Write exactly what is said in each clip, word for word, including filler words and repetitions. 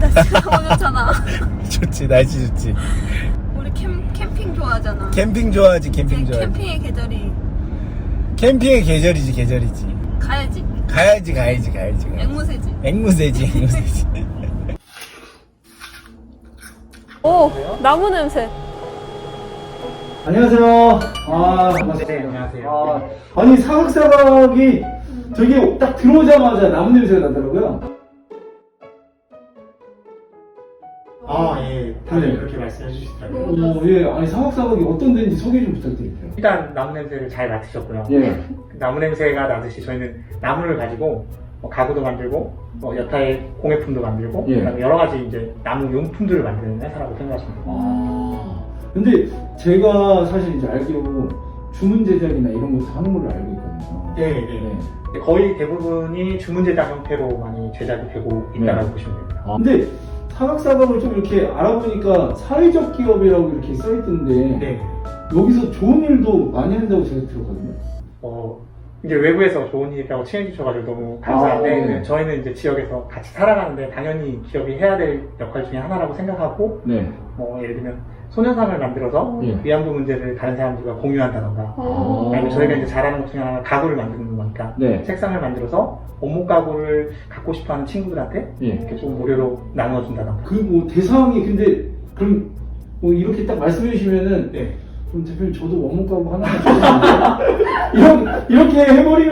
날씨가 너무 좋잖아. 좋지, 날씨 좋지. 우리 캠, 캠핑 좋아하잖아. 캠핑 좋아하지, 캠핑 이제 좋아하지. 캠핑의 계절이 캠핑의 계절이지, 계절이지. 가야지. 가야지, 가야지, 가야지. 가야지. 앵무새지. 앵무새지, 앵무새지. 오, 나무 냄새. 안녕하세요. 아, 반갑습니다. 네, 안녕하세요. 아, 아니, 사각사각이 저기 딱 들어오자마자 나무 냄새가 나더라고요. 아, 예. 다들 네. 그렇게 말씀해 주시더라고요. 오, 예. 아니, 사각사각이 어떤 데인지 소개 좀 부탁드릴게요. 일단 나무 냄새를 잘 맡으셨고요. 예. 나무 냄새가 나듯이 저희는 나무를 가지고 뭐 가구도 만들고 뭐 여타의 공예품도 만들고 예. 그다음에 여러 가지 이제 나무 용품들을 만드는 회사라고 생각하시면 됩니다. 아. 근데 제가 사실 이제 알기로 주문 제작이나 이런 것도 하는 걸로 알고 있거든요. 네, 네. 거의 대부분이 주문 제작 형태로 많이 제작이 되고 있다고 네. 보시면 됩니다. 아, 근데 사각사각을 좀 이렇게 알아보니까 사회적 기업이라고 이렇게 써있던데 네. 여기서 좋은 일도 많이 한다고 제가 들었거든요. 어, 이제 외부에서 좋은 일이라고 칭해 주셔가지고 너무 감사한데 아, 네. 저희는 이제 지역에서 같이 살아가는데 당연히 기업이 해야 될 역할 중에 하나라고 생각하고 네. 뭐 예를 들면 소녀상을 만들어서 예. 위안부 문제를 다른 사람들과 공유한다던가 아. 아니면 저희가 이제 잘하는 것 중에 하나가 가구를 만드는 거니까 네. 책상을 만들어서 원목 가구를 갖고 싶어하는 친구들한테 예. 이렇게 좀 무료로 나누어준다던가. 그 뭐 대상이 근데 그럼 뭐 이렇게 딱 말씀해 주시면은 네. 그럼 대표님 저도 원목 가구 하나 이렇게 이렇게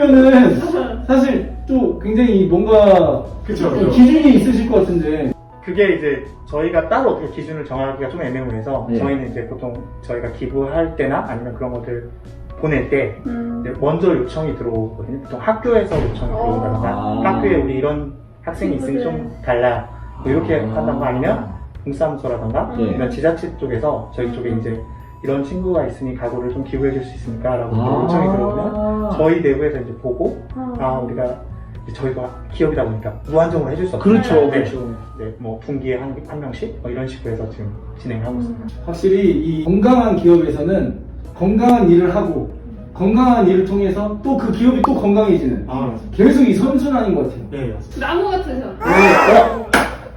해버리면은 사실 또 굉장히 뭔가 그쵸, 좀 그쵸. 기준이 있으실 것 같은데 그게 이제 저희가 따로 어떻게 기준을 정하기가 좀 애매모호해서 예. 저희는 이제 보통 저희가 기부할 때나 아니면 그런 것들 보낼 때 음. 이제 먼저 요청이 들어오거든요. 보통 학교에서 요청이 들어온다던가 아. 학교에 우리 이런 학생이 있으니 좀 달라 뭐 이렇게 아. 한다던가 아니면 동사무소라던가 예. 이런 지자체 쪽에서 저희 쪽에 이제 이런 친구가 있으니 가구를 좀 기부해 줄 수 있습니까? 라고 아. 요청이 들어오면 저희 내부에서 이제 보고 아. 아 우리가 이제 저희가 기업이다 보니까 무한정으로 해줄 수 없어요. 그렇죠, 네. 그렇죠. 네, 뭐 분기에 한, 한 명씩 뭐 이런 식으로 해서 지금 진행하고 있습니다. 확실히 이 건강한 기업에서는 건강한 일을 하고 건강한 일을 통해서 또 그 기업이 또 건강해지는 아, 계속 이 선순환인 것 같아요. 네, 맞습니다. 나무 같으셔. 네. 어?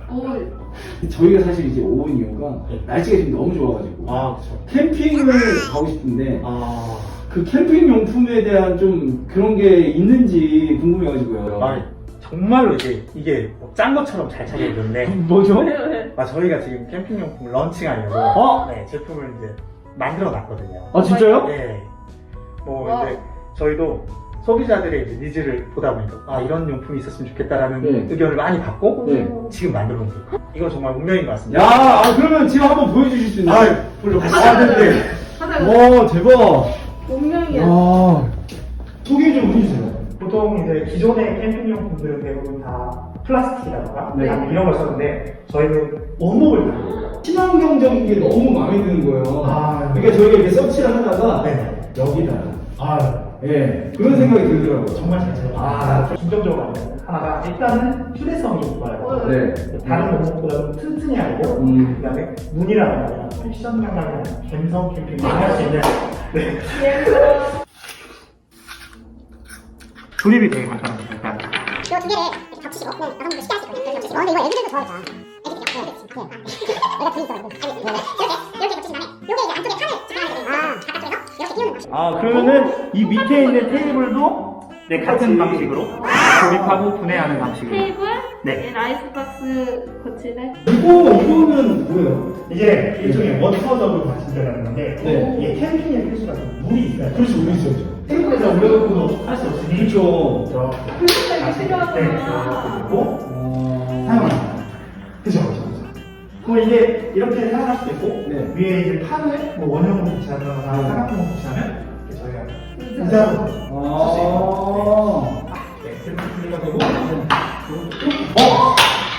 오, 저희가 사실 이제 온 이유가 네. 날씨가 지금 너무 좋아가지고 아, 그렇죠. 캠핑을 가고 싶은데 아, 그 캠핑 용품에 대한 좀 그런 게 있는지 궁금해가지고요. 아, 정말로 이제 이게 뭐짠 것처럼 잘 차려졌는데 뭐죠? 아, 저희가 지금 캠핑용품을 런칭하려고 어? 네, 제품을 이제 만들어 놨거든요. 아 진짜요? 네. 뭐 와. 이제 저희도 소비자들의 이제 니즈를 보다 보니까 아 이런 용품이 있었으면 좋겠다라는 네. 의견을 많이 받고 네. 지금 만들어 놓은 거예요. 이건 정말 운명인 것 야, 같습니다. 아, 그러면 지금 한번 보여주실 수 있나요? 아, 물론 아, 네. 하다가 와, 대박. 운명이야. 야, 소개 좀 해주세요. 보통 이제 기존의 캠핑용품들은 대부분 다 플라스틱이라던가 네. 아니면 이런 걸 썼는데 저희는 원목을 달고 친환경적인 게 너무 마음에 드는 거예요. 아, 그러니까 저희가 이렇게 서치를 하다가 네. 여기다. 아, 예, 그런 생각이 들더라고요. 정말 잘 찾아요. 아, 중점적으로 하는 하나가 일단은 휴대성이 좋아요. 네. 다른 원목보다 좀 튼튼히 하고 음. 그다음에 문이라는 거나 패션 감각이나 감성 캠핑을 할 수 있는 네. 조립이 되게 간단합니다. 일단. 이 두 개를 이렇게 겹치시고 그냥 여성분들 쉽게 하실 거예요. 겹치시고. 근데 이거 애들도 좋아하잖아. 애들이 이렇게 그렇지. 내가 둘이 있어. 이렇게 이렇게 겹치신 다음에 요게 이제 안쪽에 판을 집어넣게 되니까 바깥쪽에서 이렇게 띄우는 거죠. 아, 그러면은 이 밑에 있는 테이블도 네, 같은 방식으로 조립하고 분해하는 방식으로. 테이블, 네. 라이스박스 거치대. 이거, 이거는 뭐예요? 이게 일종의 워터저그 마신다라는 건데 네. 이게 캠핑의 필수가 물이 있어요. 그렇죠, 우리 있었죠. 테이블에다 올려놓고도 할 수 없으니 그렇죠. 저 그래서 이게 필요하구나. 그리고 어... 사용합니다. 그죠, 그죠, 그죠. 그럼 이게 이렇게 사용할 수도 있고 네. 위에 이제 판을 뭐 원형으로 붙이거나 네. 사각형으로 붙이면 이렇게 저희가 의자. 의자로 쓸수 있고 아. 네, 이렇게 분리가 되고 어?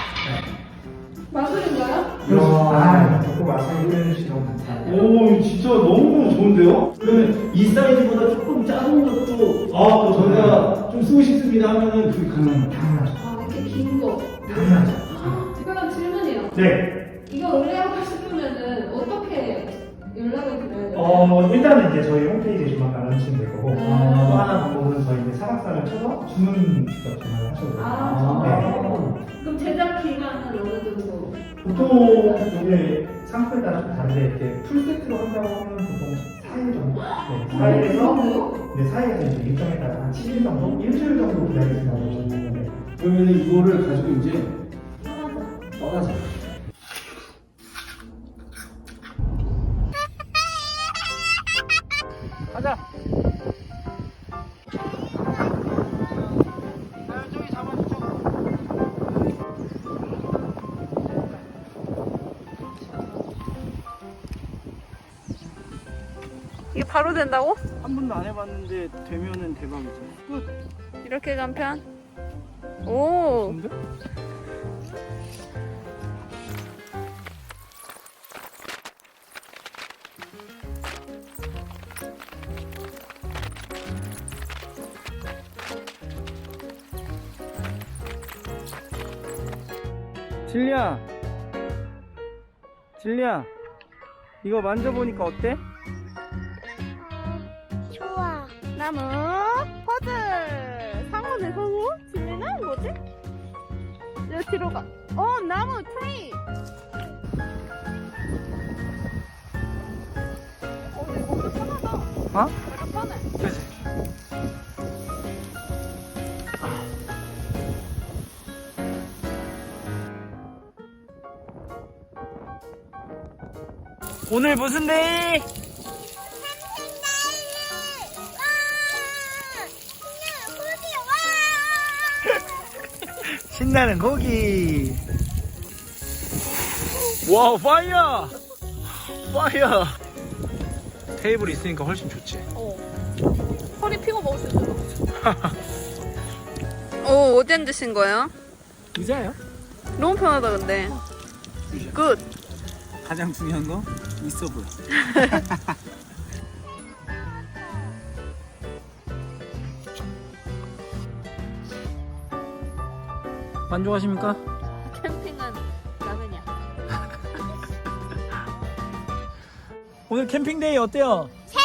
마술인 거야? 아, 듣고 말씀해 주시면 너무 감사합니다. 오, 진짜 너무 좋은데요? 그러면 이 사이즈보다 조금 작은 것도, 아, 또 저희가 좀 쓰고 싶습니다 하면은 그게 가능합니다. 당연하죠. 아, 이렇게 긴 거. 당연하죠. 특별한 질문이에요. 네. 이거 의뢰하고 싶으면은 어떻게 연락을 드려야 돼요? 어, 어, 일단은 이제 저희 홈페이지에 조만간 런칭 될 거고, 음. 또 하나 방법은 저희 이제 사각사를 쳐서 주문 직접 전화를 하셔도 돼요. 아, 네. 그럼 제작 기간은 어느 정도? 보통 이게 상품에 따라 좀 다른데 이렇게 풀세트로 한다고 하면 보통 사 일 정도? 네, 사 일에서 네, 사 일에서 이제 일정에 따라 한 칠 일 정도? 일주일 정도 기다리신다고 보시면 되는데 그러면 이거를 가지고 이제 떠나자. 가자. 저기 잡아주죠. 이게 바로 된다고? 한 번도 안 해봤는데 되면은 대박이죠. 끝. 이렇게 간편? 오. 좋은데? 진리야, 진리야, 이거 만져보니까 어때? 좋아. 나무 퍼즐. 상어네 상어? 진리는 뭐지? 여기 뒤로 가. 어 나무 트리. 어 이거 엄청 편하다. 어? 되게 편해. 그치? 오늘 무슨 데이? 신나는 고기. 와우, 파이어! 파이어! 테이블 있으니까 훨씬 좋지. 어. 허리 피고 먹을 수 있어. 오 어디 앉으신 거예요? 의자예요? 너무 편하다 근데. 굿. 가장 중요한 거 있어 보여. 만족하십니까? 캠핑은 라면이야. 오늘 캠핑데이 어때요? 세